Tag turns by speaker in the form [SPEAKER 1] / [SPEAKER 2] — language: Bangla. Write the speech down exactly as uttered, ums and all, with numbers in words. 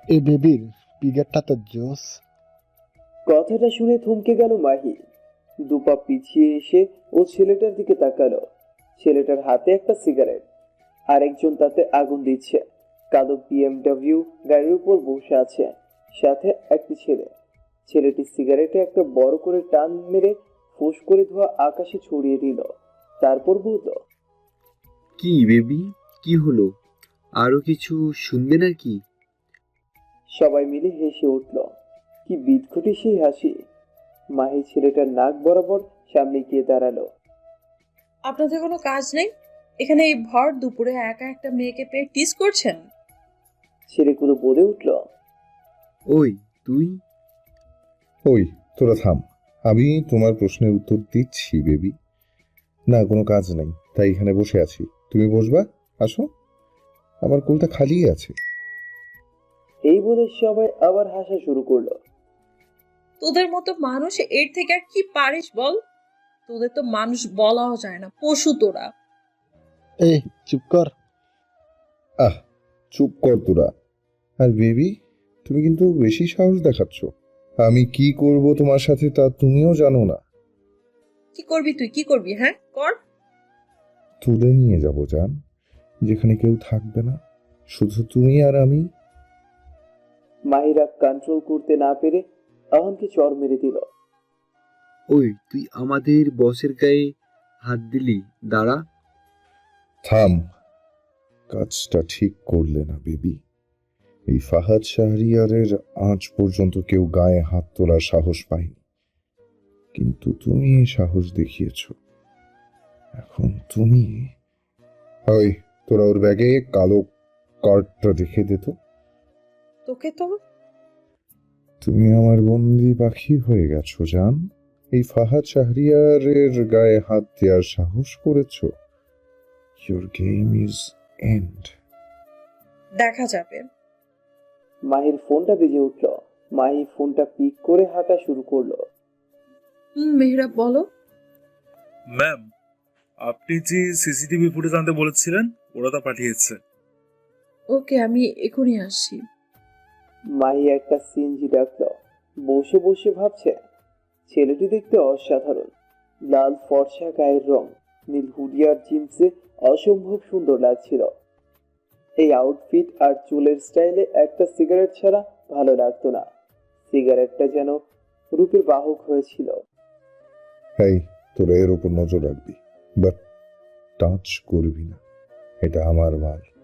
[SPEAKER 1] এই বেবির ফিগারটা তো জোস।
[SPEAKER 2] কথাটা শুনে থমকে গেল মাহি। দুপা পিছিয়ে এসে ও ছেলেটার দিকে তাকালো। ছেলেটার হাতে একটা সিগারেট, আরেকজন তাতে আগুন দিচ্ছে। কালো বিএমডব্লিউ গাড়ির উপর বসে আছে, সাথে একটি ছেলে। ছেলেটি সিগারেটে একটা বড় করে টান মেরে ফুস করে ধোঁয়া আকাশে ছড়িয়ে দিল। তারপর বলল,
[SPEAKER 3] কি বেবি, কি হলো? আরো কিছু শুনবে নাকি?
[SPEAKER 2] সবাই মিলে হেসে উঠল। কি বিদঘুটে সেই হাসি! মাহি ছেলেটার নাক বরাবর সামনে গিয়ে দাঁড়ালো।
[SPEAKER 4] আপনাদের কোনো কাজ নেই? এখানে এই ভর দুপুরে একা একটা মেয়েকে পেয়ে টিস করছেন?
[SPEAKER 2] ছেলেগুলো বলে উঠল,
[SPEAKER 3] ওই তুই!
[SPEAKER 5] ওই, তোরা থাম। আমি তোমার প্রশ্নের উত্তর দিচ্ছি বেবি। না, কোনো কাজ নেই, তাই এখানে বসে আছি। তুমি বসবা? আসো, আমার কোলটা খালিই আছে।
[SPEAKER 2] এই বলে সবাই আবার হাসা শুরু করলো।
[SPEAKER 4] তোদের মতো মানুষ এর থেকে আর কি পারিস বল? তোদের তো মানুষ বলাও যায় না, পশু তোরা।
[SPEAKER 1] এই চুপ কর।
[SPEAKER 5] আহ, চুপ কর তোরা। আর বেবি, তুমি কিন্তু বেশি সাহস দেখাচ্ছ। আমি কি করব তোমার সাথে তা তুমিও জানো না।
[SPEAKER 4] কি করবি তুই, কি করবি? হ্যাঁ কর।
[SPEAKER 5] তুলে নিয়ে যাব জান, যেখানে কেউ থাকবে না, শুধু তুমি আর আমি।
[SPEAKER 2] মাহিরা কন্ট্রোল করতে না পেরে আহানকে চড় মেরে দিল।
[SPEAKER 3] ওই তুই আমাদের বসের গায়ে হাত দিলি, দাঁড়া।
[SPEAKER 5] থাম, কাজটা ঠিক করলে না বেবি। এই ফাহাদ শাহরিয়ারের আজ পর্যন্ত কেউ গায়ে হাত তোলার সাহস পায়নি, কিন্তু তুমি এই সাহস দেখিয়েছ। এখন তুমি। ওই, তোরা ওর ব্যাগে কালো কার্ডটা রেখে দে তো।
[SPEAKER 4] তোকে তো
[SPEAKER 5] তুমি আমার বন্দি পাখি হয়ে গেছো জান। এই ফাহাদ শাহরিয়ারের গায়ে হাত দেওয়ার সাহস করেছ। Your game is end.
[SPEAKER 4] দেখা যাবে।
[SPEAKER 2] মাহির ফোনটা বেজে উঠল। মাহি ফোনটা পিক করে হাঁটা শুরু করলো।
[SPEAKER 4] হুম মেহরাব বলো।
[SPEAKER 6] ম্যাম, আপনি যে সিসিটিভি ফুটেজ আনতে বলেছিলেন ওরা তা পাঠিয়েছে।
[SPEAKER 4] ওকে, আমি এখনই আসছি।
[SPEAKER 2] মাহি একটা সিএনজি ডাকলো। বসে বসে ভাবছে, ছেলেটি দেখতে অসাধারণ। লাল ফর্সা গায়ের রং, নীল হুডিয়ার জিন্সে অসম্ভব সুন্দর লাগছিল। এই আউটফিট আর চুলের স্টাইলে একটা সিগারেট ছাড়া ভালো লাগতো না। সিগারেটটা যেন রূপের বাহক হয়েছিল।
[SPEAKER 5] এই, তোরা এর উপর নজর রাখবি, বাট টাচ করবি না। এটা আমার মাল।